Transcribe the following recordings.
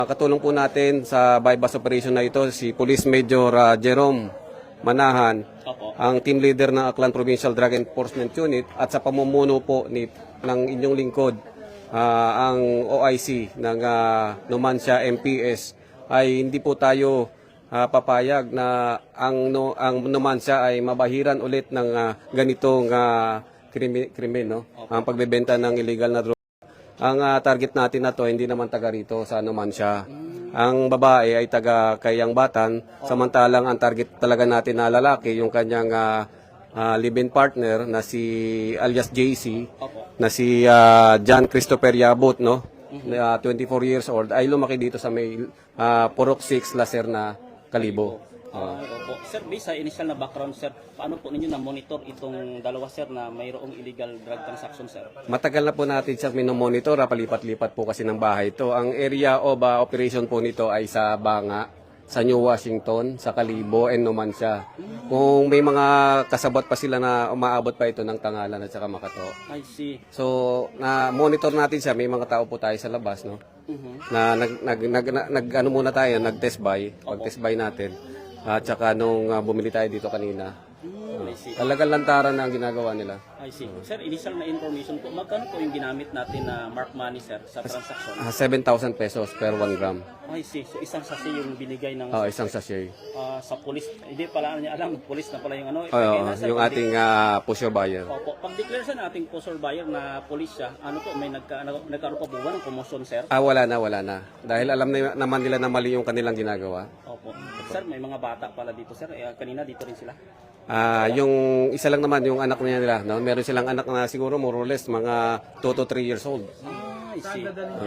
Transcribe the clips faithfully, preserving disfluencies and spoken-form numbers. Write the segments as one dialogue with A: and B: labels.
A: Katulong po natin sa bypass operation na ito si Police Major uh, Jerome Manahan,
B: Opo.
A: ang team leader ng Aklan Provincial Drug Enforcement Unit, at sa pamumuno po ni, ng inyong lingkod, uh, ang O I C ng uh, Numancia M P S, ay hindi po tayo uh, papayag na ang, no, ang Numancia ay mabahiran ulit ng uh, ganitong uh, krimen, krimen, no? Ang pagbebenta ng illegal na droga. Ang uh, target natin na to hindi naman taga rito sa Numancia. Ang babae ay taga Kayang Batan, samantalang ang target talaga natin na lalaki, yung kanyang uh, uh, live-in partner na si alias J C, na si uh, John Christopher Yabut, no? Uh, twenty-four years old, ay lumaki dito sa may uh, Purok six, Lacerna, Kalibo.
B: Uh, opo. Sir, based sa initial na background, sir, paano po ninyo na-monitor itong dalawa, sir, na mayroong illegal drug transaction, sir?
A: Matagal na po natin siya minomonitor, ah, palipat-lipat po kasi ng bahay ito. Ang area of uh, operation po nito ay sa Banga, sa New Washington, sa Kalibo, and Numancia. Kung may mga kasabot pa sila na umaabot pa ito ng Tangalan at saka Makato.
B: I see.
A: So, na-monitor natin siya. May mga tao po tayo sa labas, no?
B: Mhm.
A: Na nag, nag, nag, nag, nag ano muna tayo, nag-test buy, pag-test buy natin. At saka nung uh, bumili tayo dito kanina,
B: Mm, I see.
A: talagang lantaran na ang ginagawa nila.
B: I see. Sir, initial na information po, magkano po yung ginamit natin na mark money, sir, sa transaction?
A: Uh, seven thousand pesos per one gram.
B: I see. So, isang sasi yung binigay ng
A: Oh, isang sachet.
B: ah, sa police. Hindi pala niya alam, police na pala yung ano.
A: Oh,
B: Kaya nasa
A: yung
B: pag-
A: ating uh, pusher buyer.
B: Opo, pag-declare sa nating pusher buyer na police siya, ano po, may nagka, nag- nagkaroon pa po ba ng promotion, sir?
A: Ah, wala na, wala na. Dahil alam na, naman nila na mali yung kanilang ginagawa.
B: Opo. Sir, may mga bata pala dito, sir. Eh, kanina dito rin sila.
A: Ah, yung isa lang naman yung anak niya nila, no? Meron silang anak na siguro more or less mga two to three years old.
B: Ah, I see.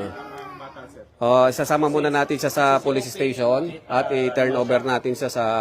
A: Oh, isasama muna natin siya sa police station at i-turn over natin siya sa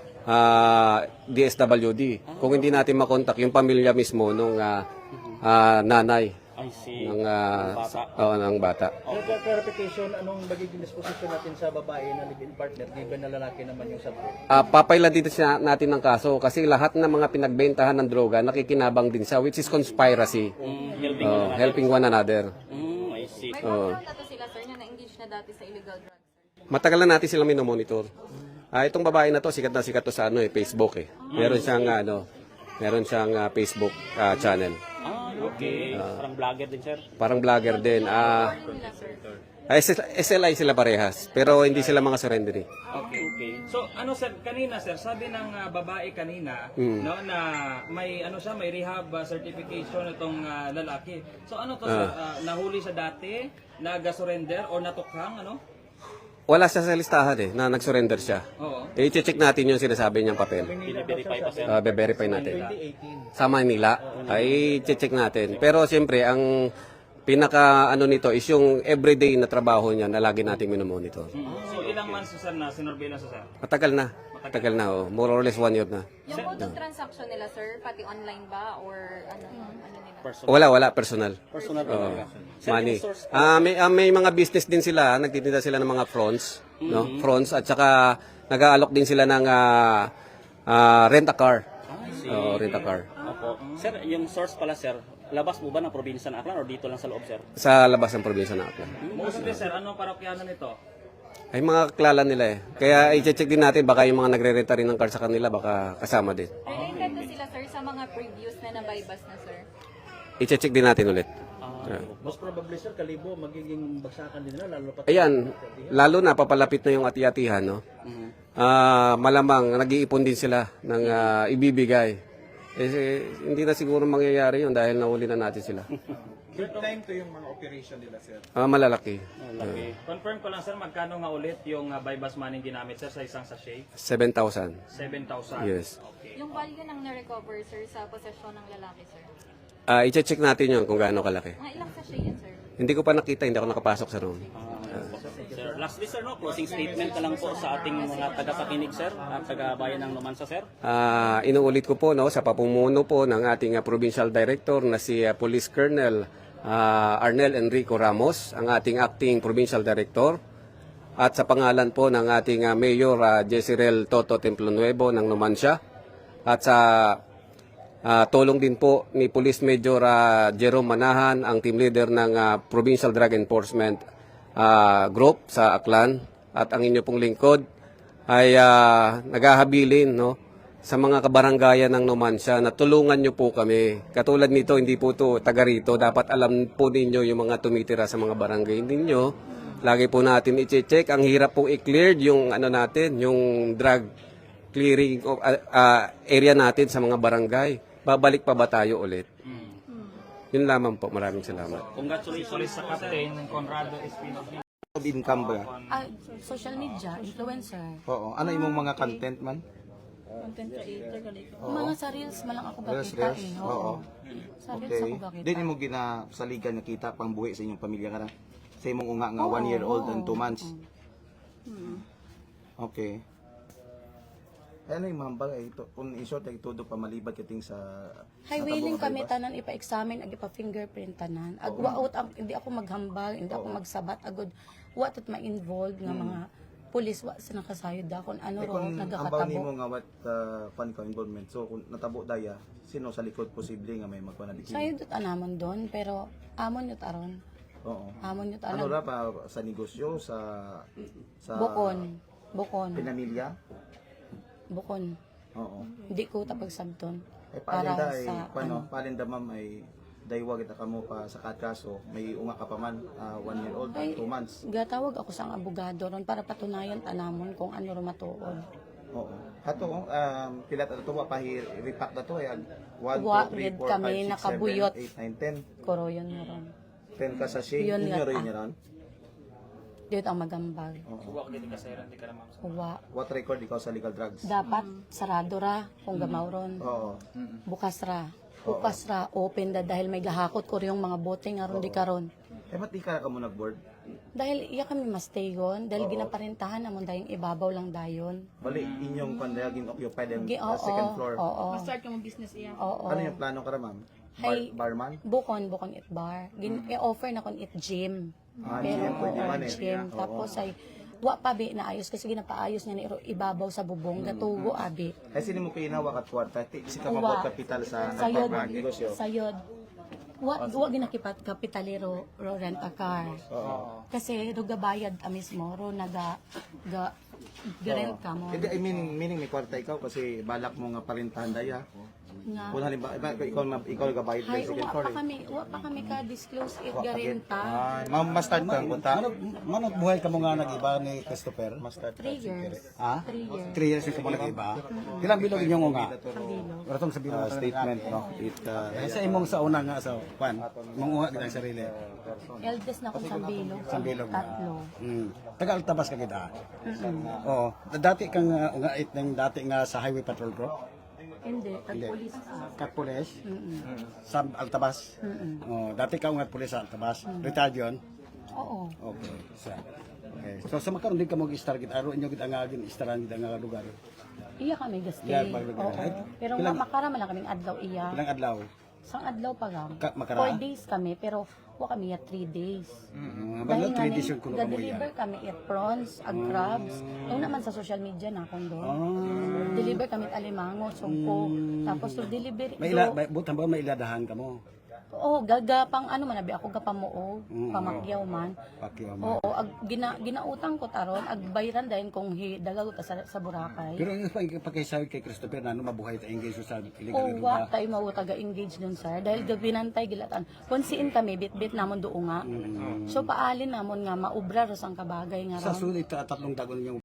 A: ah, D S W D. Kung hindi natin makontak yung pamilya mismo nung ah, ah, nanay
B: I see.
A: ng ah,
B: Bata.
A: oh, ng bata.
C: For clarification, anong magiging disposition natin sa babae na live-in partner given na lalaki naman yung sabot?
A: Ah, papailan dito siya natin ng kaso kasi lahat ng mga pinagbentahan ng droga nakikinabang din siya, which is conspiracy.
B: Mm, helping
A: Oh,
B: na
A: helping one another.
B: Mm, I see.
D: May background na to sila, sir, na na-engage na dati sa illegal drugs, sir.
A: Matagal na natin silang minomonitor. Ah, itong babae na to, sikat na sikat to sa ano eh, Facebook eh. Meron siyang ano, meron siyang ah, Facebook ah, channel.
B: Ah, okay. Parang vlogger din, sir.
A: Parang vlogger din. Ah,
D: Ano nila, sir?
A: ah, S L I sila parehas, pero hindi sila mga surrendery.
B: Okay, okay.
E: So ano sir, kanina sir, sabi ng ah, babae kanina
A: Mm.
E: no na may ano siya, may rehab ah, certification itong ah, lalaki. So ano to sir, ah, nahuli siya dati, nag-surrender or natukhang ano?
A: Wala siya sa listahan eh, na nag-surrender siya.
E: Oo.
A: Eh, i-check natin yung sinasabi niyang papel.
B: Bine-verify pa, sir.
A: Uh, be-verify natin.
C: twenty eighteen.
A: Sa Manila, ay i-check natin. Pero siyempre, ang pinaka ano nito is yung everyday na trabaho niya na lagi nating minomonitor.
E: So ilang months sir na sinurveillance sir?
A: Matagal na. Matagal na, oh. More or less one year na.
D: Yung mode of transaction nila, sir, pati online ba or ano, ano nila?
B: Personal.
A: Wala, wala. Personal.
B: Personal talaga. Sir,
A: Money.
B: yung source po-
A: Ah, may, ah, may mga business din sila. Nagtitinda sila ng mga fronts. No? Fronts. At saka nag-aalok din sila ng ah, ah, rent a car.
B: Ah, I see.
A: Oh, rent a car.
B: Opo. Sir, yung source pala, sir, labas mo ba ng probinsya ng Aklan or dito lang sa loob, sir?
A: Sa labas ng probinsya ng Aklan.
E: Mostly sir, ano parokyano nito?
A: Ay mga kaklalan nila eh. Kaya i-check din natin baka yung mga nagre-renta rin ng car sa kanila baka kasama din.
D: Related to sila, sir, sa mga previous na nabaybas na, sir.
A: I-check din natin ulit.
C: Most probably sir, Kalibo, magiging bagsakan din nila, lalo pa
A: Ayan, lalo na papalapit na yung ati-atihan, no? Ah, malamang nag-iipon din sila ng ah, ibibigay. Eh, eh, hindi na siguro mangyayari yun dahil nahuli na natin sila.
F: Third time to yung mga operation nila, sir.
A: Ah, malalaki.
B: Laki.
E: Confirm ko lang sir, magkano nga ulit yung uh, bypass money ginamit sir sa isang sachet?
A: seven thousand.
E: seven thousand.
A: Yes.
E: Okay.
D: Yung value ng na-recover, sir, sa posesyon ng lalaki, sir.
A: Ah, i-check natin yun kung gaano kalaki.
D: Mga ilang sachet yan, sir?
A: Hindi ko pa nakita, hindi ako nakapasok sa room.
B: Sir, lastly, sir, no, closing statement ka lang po sa ating mga taga-pakinig, sir, at taga-bayan ng Numancia, sir.
A: Ah, inuulit ko po no sa papumuno po ng ating ah, provincial director na si ah, Police Colonel ah, Arnel Enrico Ramos, ang ating acting provincial director, at sa pangalan po ng ating ah, Mayor uh, Jezreel Toto Templonuevo ng Numancia, at sa ah, tulong din po ni Police Major ah, Jerome Manahan, ang team leader ng ah, Provincial Drug Enforcement ah, group sa Aklan at ang inyo pong lingkod ay ah, naghahabilin no sa mga kabaranggayan ng Numancia na tulungan nyo po kami. Katulad nito, hindi po to taga rito. Dapat alam po ninyo yung mga tumitira sa mga barangay ninyo. Lagi po natin i-check. Ang hirap po i-clear yung ano natin, yung drug clearing of, ah, ah, area natin sa mga barangay. Babalik pa ba tayo ulit? Yun lamang po. Maraming salamat.
B: Congratulations
E: Sa
B: po, sir.
E: Captain Conrado Espinosa.
G: Income ba?
H: Ah, social media, influencer.
G: Oo. Ano imong mga content man?
H: Content creator Mga sa reels man lang ako
G: Reels,
H: bakita
G: reels?
H: eh.
G: Oo.
H: Sa reels
G: Okay.
H: ako bakita.
G: Din imo ginasaligan nga kita pang buhi sa inyong pamilya ka na. Sa imong unga nga one year old and two months. Okay. Ano yung mahambal ay ito kung in short ay todo pa malibad kating sa
H: Highway
G: natabo
H: link
G: nga
H: kami
G: ba?
H: tanan ipa-examine ag ipa-fingerprint tanan. Ag waot ang hindi ako maghambal, hindi ako magsabat agud wa tat ma-involved nga mga pulis wa sa nakasayod da kun ano
G: Eh,
H: ro
G: kung ambaw
H: nagakatabo.
G: nimo nga what uh, pan ka involvement. So kung natabo daya, sino sa likod posible nga may magpanabiki?
H: Sayod ut anamon don pero amon yut aron.
G: Oo.
H: Amon yut
G: Ano
H: aron.
G: ra pa sa negosyo sa sa
H: Bukon. Bukon.
G: pinamilya?
H: Bukon.
G: Oo.
H: Hindi ko tapag sabton.
G: Eh
H: Para
G: palinda ay
H: sa
G: paano?
H: ano.
G: Palinda ma'am ay daywa kita kamo pa sa katkaso, may unga ka pa man, ah, one year old,
H: Ay,
G: two months.
H: gatawag ako sa abogado ron para patunayan tanamon kung ano ro matuod.
G: Oo. Hato um pila ta to pa repack na to ay one,
H: Wa,
G: two, three,
H: gid
G: four,
H: kami
G: five, six,
H: nakabuyot.
G: seven, eight, nine, ten.
H: Koroyon mo ron.
G: ten ka sa shade.
H: Yun
G: Inyo
H: nga,
G: rin
H: ah.
G: niya ron.
H: Dito ang magambag.
E: Huwag hindi ka sayran, di ka na ma'am.
H: Uwa.
G: What record ikaw sa legal drugs?
H: Dapat sarado ra kung gamaw ron.
G: Oo.
H: Bukas ra. Bukas ra. Open da dahil may gahakot ko rin yung mga bote nga ron di karon.
G: Eh ba't di ka ka mo nag-board?
H: Dahil iya kami mastayon. Dahil ginaparentahan namon dayong ibabaw lang dayon.
G: Bali, inyong pandayagin occupied and
H: Gi-
G: uh,
H: Oo.
G: second floor.
H: Oo.
I: Start ka mo business iya.
H: Oo.
G: Ano yung plano ka ra ma'am? Bar,
H: Hay-
G: barman?
H: Bukon, bukon it bar. Gin, i-offer na kon it gym.
G: Ah,
H: Pero,
G: gym, pwede
H: oo,
G: man eh.
H: gym.
G: Oo.
H: Tapos ay, wa pa bi naayos kasi ginapaayos niya ni Iro ibabaw sa bubong. Gatugo abi.
G: Ay sino mo pinawa kat kwarta? Ti- Si ka
H: Uwa.
G: mabot kapital sa
H: Sayod.
G: negosyo.
H: Sayod. Wa, wa ginakipat kapitalero ro rent a car.
G: Oo.
H: Kasi ro gabayad ka mismo ro naga ga garent ka mo.
G: Hindi, I mean, meaning may kwarta ikaw kasi balak mo nga parintahan daya.
H: Nga.
G: Kung halimbawa, iba, ikaw, ma- ikaw gabayad
H: Hay,
G: sa second
H: wa
G: floor
H: pa
G: eh.
H: kami, wa pa kami ka disclose it
G: Wa pa gid.
H: garenta.
G: Ah, ma- ma-start ka ang punta?
J: Manot buhay ka mo nga nag-iba ni Christopher?
G: Ma-start ka.
H: Three years.
J: Ha?
H: Three years.
J: Three years ka mo nag-iba? Ilang bilog inyong nga?
H: Bilog.
J: Ratong sa bilog
G: Ah, statement, no? It, uh,
J: Eh, sa imong sa una nga sa kwan, manguha kita ang sarili.
H: Eldest na kung sa bilog.
J: Sa bilog na.
H: Tatlo.
J: Mm. Taga Altabas ka kita. Oo. Dati kang uh, ungait ng dati nga sa Highway Patrol Group.
H: Hindi, tag-police ka.
J: Kat Pulis. Sa Altabas. Oh, dati ka ungat pulis sa Altabas. Retired yun.
H: Oo.
J: Okay. So, okay. So sa makaroon din ka mo gi-star gid aro inyo gid ang agin istaran gid ang nga lugar.
H: Iya kami gaste.
J: Yeah, pag-
H: Oo. Pero nga
J: Ilang-
H: makara man lang kaming adlaw iya.
J: Ilang adlaw?
H: Sang adlaw pa gang.
J: Ka- makara?
H: Four days kami, pero wa kami ya three days.
J: Mm,
H: Dahil
J: Bala
H: nga
J: three days yung kuno ka mo
H: deliver
J: yan.
H: kami it prawns, ag crabs. Yung naman sa social media na akong doon.
J: Ah.
H: Deliver kami at alimango, sumpo. Tapos to deliver.
J: May ila, may, butan ba may iladahan ka mo?
H: Oo, gaga pang ano man abi ako gapamuog,
J: Mm.
H: pamakyaw man.
J: Pakyo mo.
H: Oo, ag gina, ginautang ko taron, ag bayran dahil kung hi, dagaw ta sa, sa Boracay.
J: Pero yung pag pagkaisawi kay Christopher na ano mabuhay ta engage sa illegal
H: O
J: na
H: wa
J: ba?
H: tayo mawo taga-engage dun sir dahil gabinantay gilatan. Konsiin kami bit-bit namon duo nga. So paalin namon nga maubra ro sang kabagay nga
J: Sa
H: ron.
J: sulit ta tatlong dagon yung